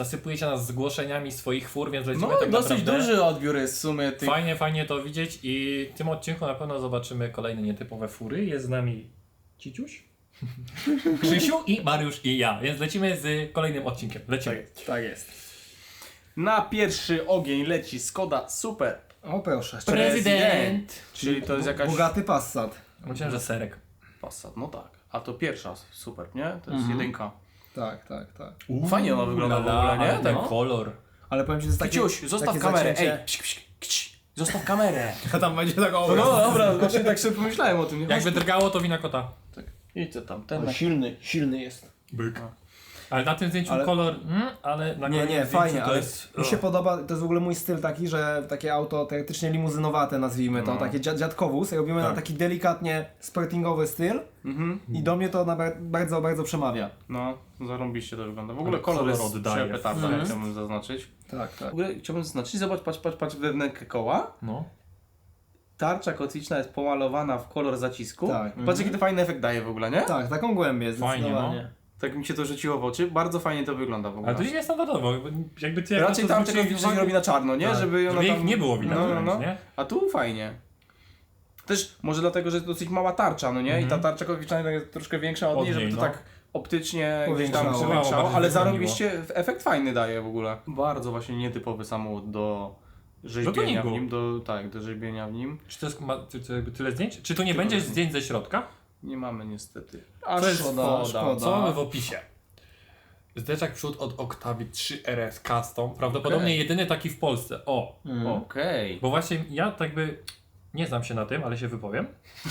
Zasypujecie nas zgłoszeniami swoich fur, więc lecimy No tak dosyć naprawdę. duży odbiór jest w sumie tych... Fajnie to widzieć i w tym odcinku na pewno zobaczymy kolejne nietypowe fury. Jest z nami Ciciuś, Krzysiu i Mariusz i ja, więc lecimy z kolejnym odcinkiem. Lecimy. Tak jest. Na pierwszy ogień leci Skoda Super. O proszę. Prezydent! Czyli to jest jakaś... Bogaty Passat. Myślałem, że serek. Passat, no tak. A to pierwsza Super, nie? To jest jedynka. Tak. Fajnie ona wygląda w ogóle, nie? Ten Tak. kolor. Ale powiem ci, że jest takie... Kiciuś, zostaw takie kamerę, zacięcie- ej, psz, zostaw kamerę. A tam będzie tak No dobra, właśnie tak sobie pomyślałem o tym. Jakby drgało, to wina kota. Tak. Idź tam, ten... Ale silny jest. Byk. Ale na tym zdjęciu Ale- kolor, ale na kolejnym Nie, zdjęciu fajnie, to ale jest... mi się podoba, to jest w ogóle mój styl taki, że takie auto teoretycznie limuzynowate nazwijmy to, takie dziadkowóz, robimy na taki delikatnie sportingowy styl i do mnie to bardzo przemawia. No, zarąbiście to wygląda. W ogóle Ale kolor kolor jest oddaje. przepetarda, chciałbym zaznaczyć. Tak. W ogóle chciałbym zaznaczyć, zobacz, patrz wewnętrzne koła. No. Tarcza kotwiczna jest pomalowana w kolor zacisku. Tak. Patrz jaki to fajny efekt daje w ogóle, nie? Tak, taką głębię Fajnie, zdecydowanie. Tak mi się to rzuciło w oczy. Bardzo fajnie to wygląda w ogóle. Ale to jest niestandardowo, jakby ty Raczej tam tego się robi na czarno, nie? Tak. Żeby ona ich tam... nie było widać, nie? A tu fajnie. Też może dlatego, że jest dosyć mała tarcza, no nie? I ta tarcza kotwiczna jest troszkę większa od niej, żeby to no. tak optycznie gdzieś tam Powiększało. powiększało, Bardziej ale wypełniło. zarąbiście efekt fajny daje w ogóle. Bardzo właśnie nietypowy samochód do rzeźbienia w tuningu. nim, do rzeźbienia w nim. Czy to jest jakby tyle zdjęć? Czy tu nie będzie zdjęć ze środka? Nie mamy niestety. To jest szkoda. Co mamy w opisie? Zderzak przód od Octavii 3 RS Custom. Prawdopodobnie jedyny taki w Polsce. Okej. Bo właśnie ja tak by nie znam się na tym, ale się wypowiem.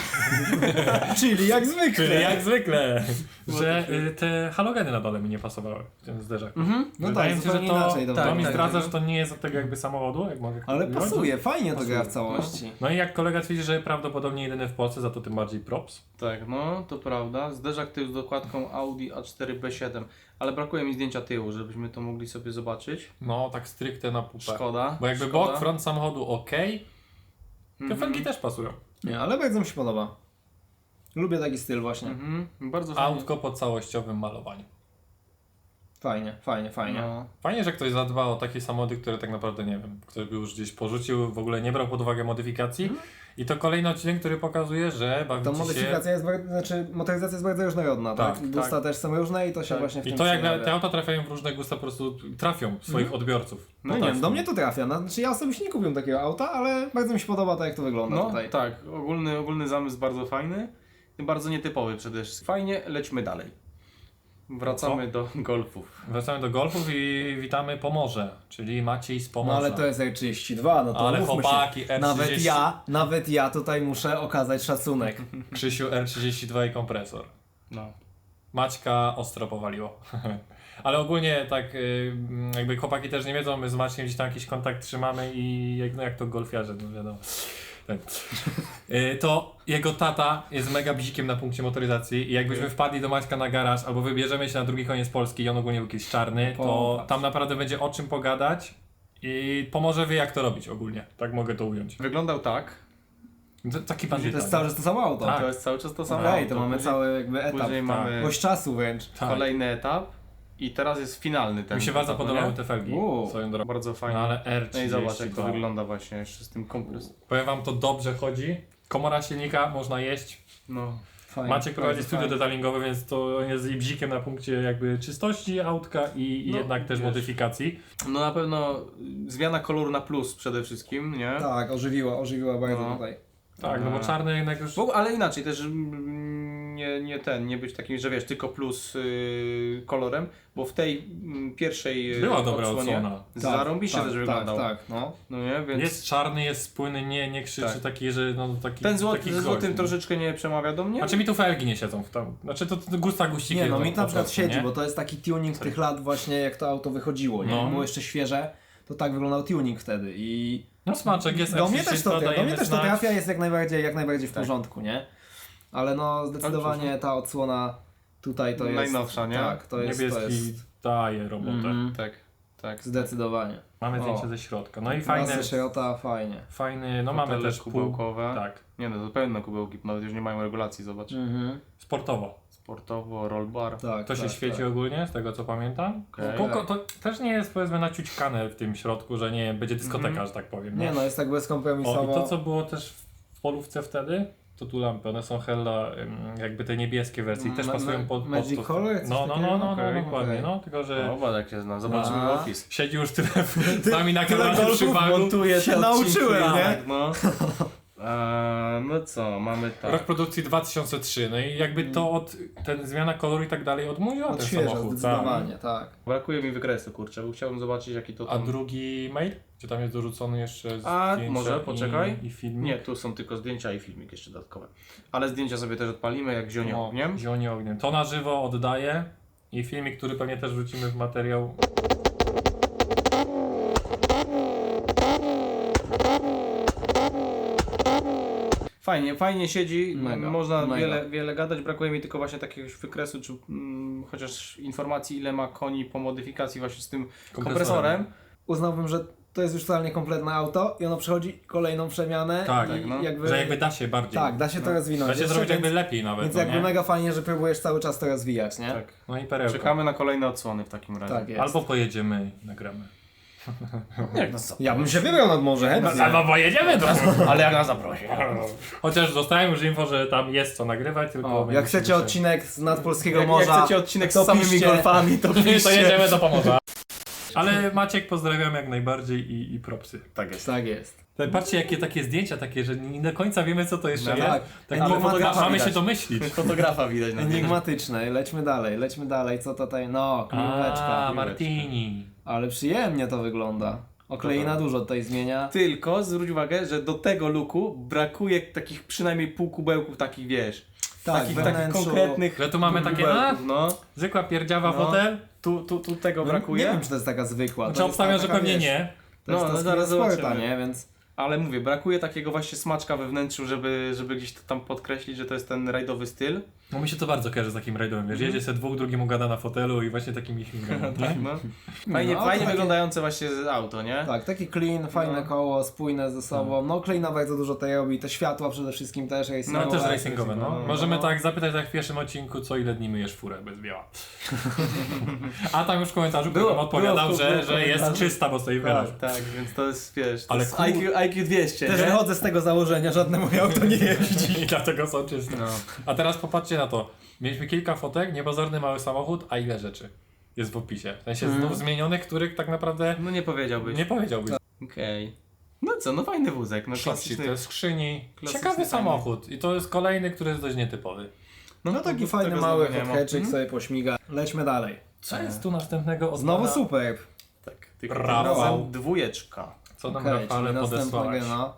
Czyli jak zwykle. Czyli jak zwykle, że te halogeny na dole mi nie pasowały w tym zderzaku. No Wydaje tak, mi się, że zupełnie to, inaczej to to mi wygląda. zdradza, że to nie jest od tego jakby samochodu, jak mogę Ale powiedzieć. pasuje, fajnie to Pasuje. gra w całości. No i jak kolega twierdzi, że prawdopodobnie jedyny w Polsce, za to tym bardziej props. Tak, no to prawda. Zderzak tył z dokładką Audi A4 B7, ale brakuje mi zdjęcia tyłu, żebyśmy to mogli sobie zobaczyć. No tak stricte na pupę. Szkoda. Bo jakby szkoda. bok, front samochodu ok, te felgi też pasują. Nie, ale bardzo mi się podoba. Lubię taki styl właśnie. Bardzo fajnie. Autko po całościowym malowaniu. Fajnie. No. Fajnie, że ktoś zadba o takie samochody, które tak naprawdę nie wiem, ktoś by już gdzieś porzucił, w ogóle nie brał pod uwagę modyfikacji. I to kolejny odcinek, który pokazuje, że Ta bawicie się... modyfikacja jest motoryzacja jest bardzo różnorodna, tak? Tak, Gusta też są różne i to się Tak. właśnie w I tym to jak przejawia. te auta trafiają w różne gusta, po prostu trafią w swoich odbiorców. No nie wiem, do mnie to trafia. Znaczy ja osobiście nie kupiłem takiego auta, ale bardzo mi się podoba to jak to wygląda No tutaj. tak, ogólny zamysł bardzo fajny, bardzo nietypowy przede wszystkim. Fajnie, lećmy dalej. Wracamy do golfów. Wracamy do golfów i witamy Pomorze, czyli Maciej z No Pomorza. ale to jest R32, no to Ale mówmy chłopaki, się. R30. Nawet ja tutaj muszę okazać szacunek. Krzysiu R32 i kompresor. No. Maćka ostro powaliło. Ale ogólnie tak jakby chłopaki też nie wiedzą, my z Maćkiem gdzieś tam jakiś kontakt trzymamy i jak to golfiarze, no wiadomo. Tak. To jego tata jest mega bzikiem na punkcie motoryzacji i jakbyśmy wpadli do Maćka na garaż albo wybierzemy się na drugi koniec Polski i on ogólnie był kiedyś czarny, to Popatrz. tam naprawdę będzie o czym pogadać i Pomorze wie jak to robić ogólnie. Tak mogę to ująć. Wyglądał tak. Taki To bandyta. jest cały czas to samo auto. Tak. To jest cały czas to samo. Okej, auto. to mamy Później- cały jakby etap. Później mamy Gość czasu wręcz. Tak. kolejny etap i teraz jest finalny ten Mi się bardzo etap, no podobały nie? te felgi swoją drogą. Bardzo No fajnie. ale R32. No i zobacz jak to wygląda właśnie jeszcze z tym kompresem. Powiem wam, to dobrze chodzi. Komora silnika, można jeść. No. Fajnie, Maciek prowadzi bardzo studio fajnie. detalingowe, więc to jest jej bzikiem na punkcie jakby czystości autka i No, jednak też wiesz. modyfikacji. No na pewno zmiana koloru na plus przede wszystkim, nie? Tak, ożywiła bardzo No. tutaj. Tak, no bo czarny jednak już... Ale inaczej też nie być takim, że wiesz, tylko plus kolorem, bo w tej pierwszej Była dobra odsłona. zarąbiście też wyglądał. Tak, no. No nie, więc Jest czarny, jest spójny, nie krzyczy Tak. taki, że no taki... ten taki ze złotym gość, no. troszeczkę nie przemawia do mnie. Znaczy mi tu felgi nie siedzą w tam. Znaczy to gusta guściki. Nie no, są mi po na przykład prostu, siedzi, nie? bo to jest taki tuning tych lat właśnie jak to auto wychodziło, nie? No. Było jeszcze świeże, to tak wyglądał tuning wtedy i No smaczek jest do mnie też to dajemy znać. trafia, jest jak najbardziej w Tak. porządku, nie? Ale no zdecydowanie ta odsłona tutaj to jest... Najnowsza, nie? Tak, to jest... Niebieski daje robotę. Mhm. Tak. Zdecydowanie. Mamy zdjęcie O. ze środka. No i Fajne. fajny, Szerota, fajnie. no mamy Fotele też kubełkowe. Tak, Nie no, to pełne kubełki, nawet już nie mają regulacji, zobacz. sportowo. Sportowo, roll bar. Tak, To się tak, świeci tak. ogólnie, z tego co pamiętam. Okej. To też nie jest powiedzmy naciućkane w tym środku, że nie będzie dyskoteka, że tak powiem. Nie no, jest tak O, bezkompromisowo. i to co było też w polówce wtedy, to tu lampy, one są hella jakby te niebieskie wersje i też pasują pod Magic to. Color? Coś No, takiego? dokładnie, Okej. no, tylko że Zobacz jak się zna, zobaczymy A. opis. siedzi już tyle z nami na kanale golfów przy wagu. Montuję się te odcinki. nauczyłem, nie? Tak, no. No co, mamy tak. Rok produkcji 2003, no i jakby to ten zmiana koloru i tak dalej odmówiła ten Odświeża samochód. zdecydowanie, tak. Brakuje mi wykresu, kurczę, bo chciałbym zobaczyć jaki to A tam... drugi mail? Gdzie tam jest dorzucony jeszcze A, zdjęcia może, poczekaj. i filmik? Nie, tu są tylko zdjęcia i filmik jeszcze dodatkowe. Ale zdjęcia sobie też odpalimy, jak zionie No, ogniem. Zionie ogniem. To na żywo oddaję i filmik, który pewnie też wrzucimy w materiał. Fajnie siedzi, Mega, można mega. wiele gadać, brakuje mi tylko właśnie takiegoś wykresu, czy chociaż informacji ile ma koni po modyfikacji właśnie z tym kompresorem. Uznałbym, że to jest już totalnie kompletne auto i ono przechodzi kolejną przemianę. Tak, i tak, no. Że jakby da się bardziej. Tak, da się to rozwinąć. Da się jeszcze, zrobić jakby więc, lepiej nawet. więc no, jakby nie? mega fajnie, że próbujesz cały czas to rozwijać, nie? Tak. No i perełka. Czekamy na kolejne odsłony w takim razie. Tak jest. Albo pojedziemy i nagramy. Jak nas Ja bym się wybrał nad morze, chętnie. No pojedziemy to. Ale jak nas zaprosi. Chociaż dostałem już info, że tam jest co nagrywać, tylko... O, jak chcecie odcinek z nadpolskiego morza, Jak chcecie odcinek to z samymi piszcie. golfami, to to piszcie. jedziemy do Pomorza. Ale Maciek pozdrawiam jak najbardziej i propsy. Tak jest. Tak jest. Patrzcie jakie takie zdjęcia takie, że nie do końca wiemy co to jeszcze No jest. tak. Tak, Ale fotografa mamy widać. się domyślić. Fotografa widać na zdjęciu. Enigmatyczne. Lećmy dalej. Co tutaj? No, kliweczka. A, Martini. Ale przyjemnie to wygląda. Oklei na dużo tutaj zmienia. Tylko zwróć uwagę, że do tego looku brakuje takich przynajmniej pół kubełków takich, wiesz, Tak, takich wnętrzu. konkretnych Że tu mamy takie, kubełków, no. zwykła pierdziawa No. fotel. Tu tego No, brakuje. nie wiem, czy to jest taka zwykła. Znaczy To jest obstawiam, że taka, pewnie wiesz, nie. To jest No, ta no, zaraz sporta, zobaczymy. nie? Więc Ale mówię, brakuje takiego właśnie smaczka we wnętrzu, żeby gdzieś to tam podkreślić, że to jest ten rajdowy styl. No mi się to bardzo kojarzy z takim rajdowym, wiesz, jedzie se dwóch, drugim gada na fotelu i właśnie takimi śmigami. Tak, no. Fajnie, No, to fajnie takie- wyglądające właśnie auto, nie? tak, taki clean, fajne No. koło, spójne ze sobą. No, Kleina bardzo dużo tutaj robi. Te światła przede wszystkim też No racingowe. też racingowe, no. no. Możemy tak zapytać jak w pierwszym odcinku, co ile dni myjesz furę bez biała. A tam już w komentarzu Było, ktoś odpowiadał, było, że było jest komentarz. czysta, bo stoi w garażu. Tak, więc to jest, wiesz, to Ale jest kur- IQ 200, Też nie? wychodzę z tego założenia, żadne moje auto nie jeździ. I dlatego są czyste. No. A teraz popatrzcie na to. Mieliśmy kilka fotek, niepozorny mały samochód, a ile rzeczy jest w opisie. W sensie znów zmienionych, których tak naprawdę No nie powiedziałbyś. nie powiedziałbyś. Okej. No co, no fajny wózek, no Klasyczny, klasyczny. to jest skrzyni. klasyczny, Ciekawy fajny. samochód. I to jest kolejny, który jest dość nietypowy. No taki to fajny, tego mały znowu nie ma. hotcheczyk sobie pośmiga. Lećmy dalej. Co jest tu następnego od Znowu pana? Superb. Tak, tylko Rafał. tym razem dwójeczka. Co nam Okej, Rafale czyli następna podesłałeś? gena.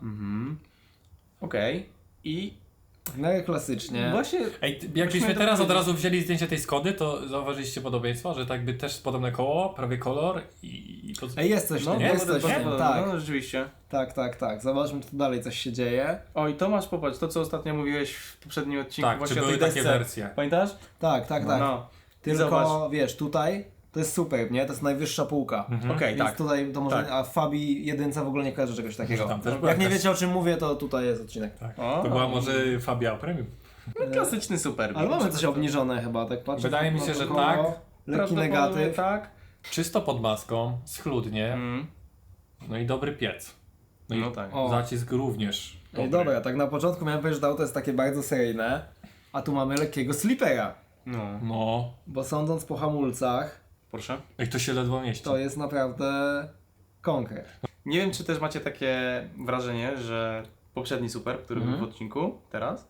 Okej. I W miarę klasycznie. właśnie Ej, jakbyśmy Musimy teraz to od razu wzięli zdjęcie tej Skody, to zauważyliście podobieństwo, że tak by też podobne koło, prawie kolor i to... Ej, jest coś w no, tym, nie? jest coś w nie? tym, no, tak. no rzeczywiście. Tak. Zobaczmy, czy tu dalej coś się dzieje. O i Tomasz, popatrz, to co ostatnio mówiłeś w poprzednim odcinku Tak, czy właśnie o były tej takie desce. wersje? Pamiętasz? Tak. No. I zobacz. Tylko, wiesz, tutaj to jest Superb, nie? To jest najwyższa półka. Okej, Więc tak. tutaj to może, Tak. a w Fabii 1 w ogóle nie kojarzę czegoś takiego. Tam też była Jak nie jakaś- wiecie o czym mówię, to tutaj jest odcinek. Tak. O. To była może Fabia Premium. No, klasyczny super. Ale mamy coś obniżone chyba, tak patrzę. Wydaje mi na się, to że koło. tak. Lekki Prawdopodobnie negatyw. tak. Czysto pod maską, schludnie, Mm. no i dobry piec. No i No tak. O. zacisk również dobry. Ej, dobra, tak na początku miałem powiedzieć, że to auto jest takie bardzo seryjne, a tu mamy lekkiego slipera. No. No. Bo sądząc po hamulcach, Proszę. Ej, to się ledwo mieści. to jest naprawdę konkret. Nie wiem, czy też macie takie wrażenie, że poprzedni super, który był w odcinku teraz,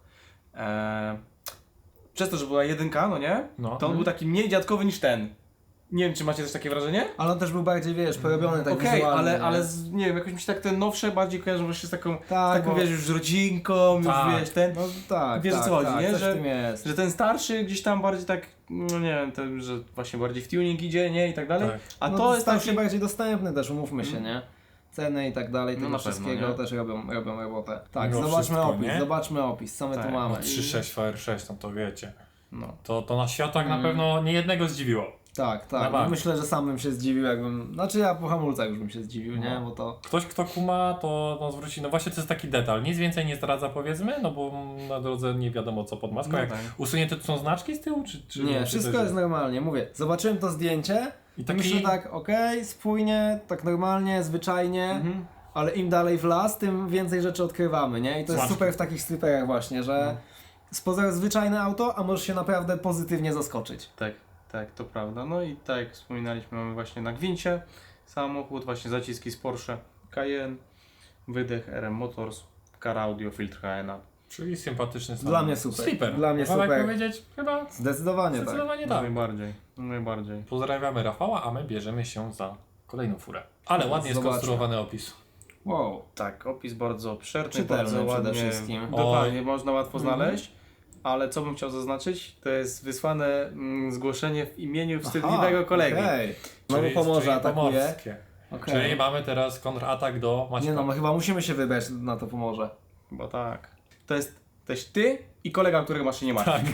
przez to, że była jedynka, no nie? No. To on był taki mniej dziadkowy niż ten. Nie wiem, czy macie też takie wrażenie? Ale on też był bardziej, wiesz, porobiony tak Okej, wizualnie. ale nie? nie wiem, jakoś mi się tak te nowsze bardziej kojarzą właśnie z taką, Tak, taką bo- wiesz, już rodzinką, Tak. już wiesz, ten, No tak, Wiesz, o tak, co chodzi, tak, nie? coś Że- w tym jest. że ten starszy gdzieś tam bardziej tak, no nie wiem, ten, że właśnie bardziej w tuning idzie, nie? I tak dalej. Tak. A no, to jest stał taki... się bardziej dostępny też, umówmy się, nie? Ceny i tak dalej, No tego na pewno, wszystkiego nie? też robią robotę. Tak, Mimo zobaczmy wszystko, opis, nie? zobaczmy opis, co my Tak, tu No, mamy. 3.6 VR6, no to wiecie. No. To na światłach na pewno nie jednego zdziwiło. Tak, Na tak. bank. No myślę, że sam bym się zdziwił, jakbym... Znaczy ja po hamulcach już bym się zdziwił, nie? No. Bo to... Ktoś, kto kuma, to no, zwróci, no właśnie to jest taki detal, nic więcej nie zdradza powiedzmy, no bo na drodze nie wiadomo co pod maską, No jak tak. usunięte tu są znaczki z tyłu, czy Nie, czy wszystko to jest normalnie. Mówię, zobaczyłem to zdjęcie I i taki- myślę tak, okej, spójnie, tak normalnie, zwyczajnie, ale im dalej w las, tym więcej rzeczy odkrywamy, nie? I to jest Smaczki. super w takich striperach właśnie, że z pozoru zwyczajne auto, a możesz się naprawdę pozytywnie zaskoczyć. Tak, tak, to prawda. No i tak jak wspominaliśmy, mamy właśnie na gwincie samochód, właśnie zaciski z Porsche Cayenne, wydech RM Motors, car audio, filtr HNA. Czyli sympatyczny Dla samochód. mnie super. Sleeper. Dla mnie Można tak super. powiedzieć? Chyba Zdecydowanie tak. zdecydowanie No tak. najbardziej, najbardziej. Pozdrawiamy Rafała, a my bierzemy się za kolejną furę. Ale ładnie Zobaczmy. skonstruowany opis. Wow. Tak, opis bardzo obszerny, Czytelny bardzo przede ładnie. wszystkim. Dokładnie, można łatwo znaleźć. Ale co bym chciał zaznaczyć, to jest wysłane zgłoszenie w imieniu wstydliwego kolegi. Okej. Znowu Czyli- Pomorze czyli atakuje. pomorskie. Okej. Czyli mamy teraz kontratak do Maćka. Nie no, my chyba musimy się wybrać na to Pomorze. Bo tak. To jest też ty i kolega, którego masz się nie ma. Tak.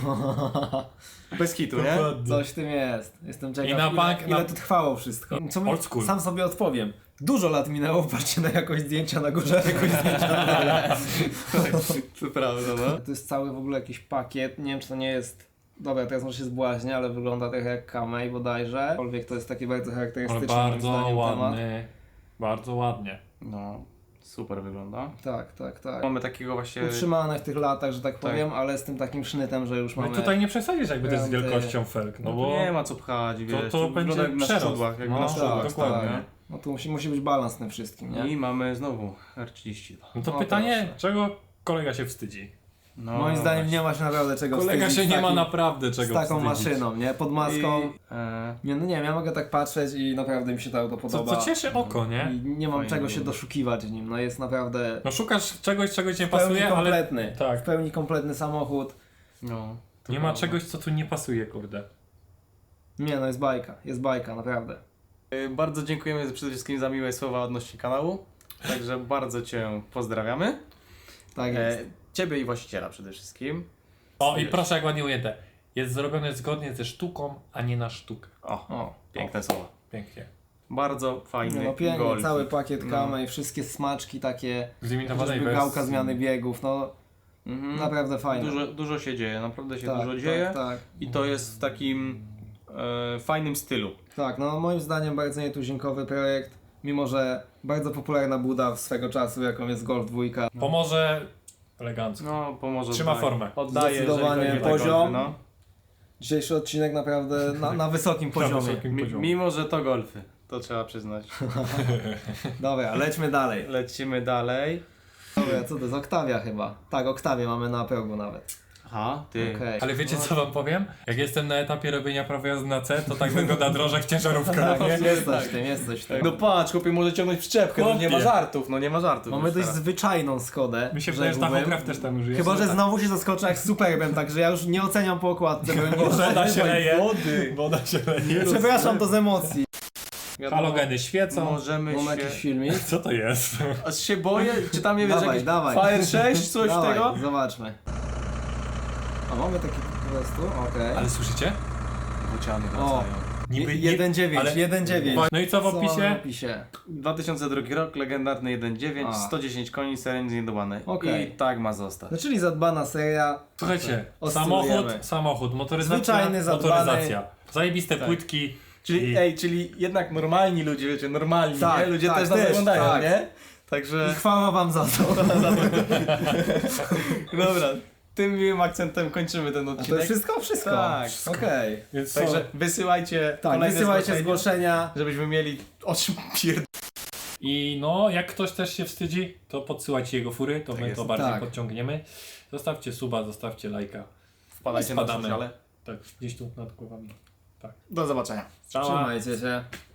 Bez hitu, nie? Dokładnie. Coś w tym jest. Jestem ciekaw, I na bank- ile na- to trwało wszystko. Co my, Old school. sam sobie odpowiem. Dużo lat minęło, patrzcie na jakość zdjęcia na górze, jakoś zdjęcia na dole. To prawda, no. To jest cały w ogóle jakiś pakiet, nie wiem czy to nie jest... Dobra, teraz może się zbłaźnię, ale wygląda trochę jak Kamei bodajże. Aczkolwiek to jest takie bardzo Ale charakterystyczne moim bardzo zdaniem temat. ładny. Bardzo ładnie. No, super wygląda. Tak, tak, tak. Mamy takiego właśnie... Utrzymane w tych latach, że tak Tak. powiem, ale z tym takim sznytem, że już No mamy... tutaj nie przesadzisz jakby to jest z Granty. wielkością felg, no No bo to nie ma co pchać, wiesz. to wygląda będzie jak na przerost. szczudłach, jakby No, na tak, szczudłach. dokładnie. tak, No tu musi być balans w tym wszystkim, nie? nie? I mamy znowu R32. no to No pytanie, proszę. czego kolega się wstydzi? No, Moim zdaniem właśnie. nie ma się naprawdę czego Kolega się wstydzić nie z ma takim- naprawdę czego z taką wstydzić. maszyną, nie? Pod maską. I, Nie, no nie wiem, ja mogę tak patrzeć i naprawdę mi się to auto Co, podoba. co cieszy oko, nie? I nie mam Fajnie czego się wygląda. doszukiwać w nim, no jest naprawdę No szukasz czegoś, czego ci nie w pełni pasuje, ale kompletny. tak. W pełni kompletny samochód. no, to nie ma prawda. czegoś, co tu nie pasuje, kurde. Nie no, jest bajka, naprawdę. Bardzo dziękujemy przede wszystkim za miłe słowa odnośnie kanału. Także bardzo Cię pozdrawiamy. Tak jest. Ciebie i właściciela przede wszystkim. O, i Wiesz. proszę jak ładnie ujęte. Jest zrobione zgodnie ze sztuką, a nie na sztukę. O, Piękne słowa. Pięknie. Bardzo fajny no pięknie, golfik. cały pakiet No. Kamy i wszystkie smaczki takie, W limitowanej chociażby wersji. gałka zmiany biegów, no Mhm. naprawdę fajne. Dużo się dzieje, naprawdę się tak, dużo dzieje. tak, tak. I to jest w takim fajnym stylu. Tak, no moim zdaniem bardzo nietuzinkowy projekt, mimo że bardzo popularna buda swego czasu, jaką jest Golf 2. Pomoże elegancko. No, pomoże. Trzyma formę. Oddaje, Zdecydowanie jeżeli chodzi o poziom. golfy, no. Dzisiejszy odcinek naprawdę na wysokim poziomie. wysokim poziomie. Mimo, że to golfy, to trzeba przyznać. Dobra, lećmy dalej. Lecimy dalej. Dobra, co to jest? Oktawia chyba. Tak, Oktawię mamy na progu nawet. Aha, ty. Okej. Ale wiecie co wam powiem? Jak jestem na etapie robienia prawa jazdy na C, to tak wygląda drożek ciężarówka, Tak, no nie? jest coś w tym, jest coś w tym. No patrz, chłopie, może ciągnąć przyczepkę, no nie ma Chłopie. żartów, no nie ma żartów. Mamy już dość teraz. zwyczajną Skodę. Mi się wydaje, że rzekłbym. tachograf też tam już jest. Chyba, że znowu się zaskoczę jak z Superbem, także ja już nie oceniam po okładce. Woda się leje. Wody. Woda się leje. Przepraszam, to z emocji. Wiadomo, Halogeny świecą. Możemy Mam się... jakiś filmik? Co to jest? Aż się boję, czy tam nie wiesz, Dawaj, jakiś dawaj. Fire 6, coś Dawaj, tego? zobaczmy. A mamy taki po prostu, okej. Ale słyszycie? Bociany O, wracają. Niby 1.9, ale- 1.9. No i co w Co mamy w opisie? opisie? 2002 rok, legendarny 1.9, A. 110 koni, seren zniedobany. Okej. I tak ma zostać. No czyli zadbana seria. Słuchajcie, Oscylujemy. samochód, motoryzacja, Zwyczajny, zadbany. motoryzacja. Zajebiste Tak. płytki. Czyli, czyli jednak normalni ludzie, wiecie, normalni, Tak, nie? Ludzie tak, też nas też, oglądają, tak. nie? Także, I chwała wam za to. dobra, tym miłym akcentem kończymy ten A to odcinek. wszystko? Wszystko. Tak. Okej. Więc Także wysyłajcie Tak, kolejne wysyłajcie zgłoszenia. żebyśmy mieli o czym pierd... I no, jak ktoś też się wstydzi, to podsyłajcie jego fury, to Tak my jest. to bardziej Tak. podciągniemy. Zostawcie suba, zostawcie lajka. Wpadajcie na Spadamy. sociale. Tak, gdzieś tu nad głowami. Tak. Do zobaczenia. Cała. Trzymajcie się.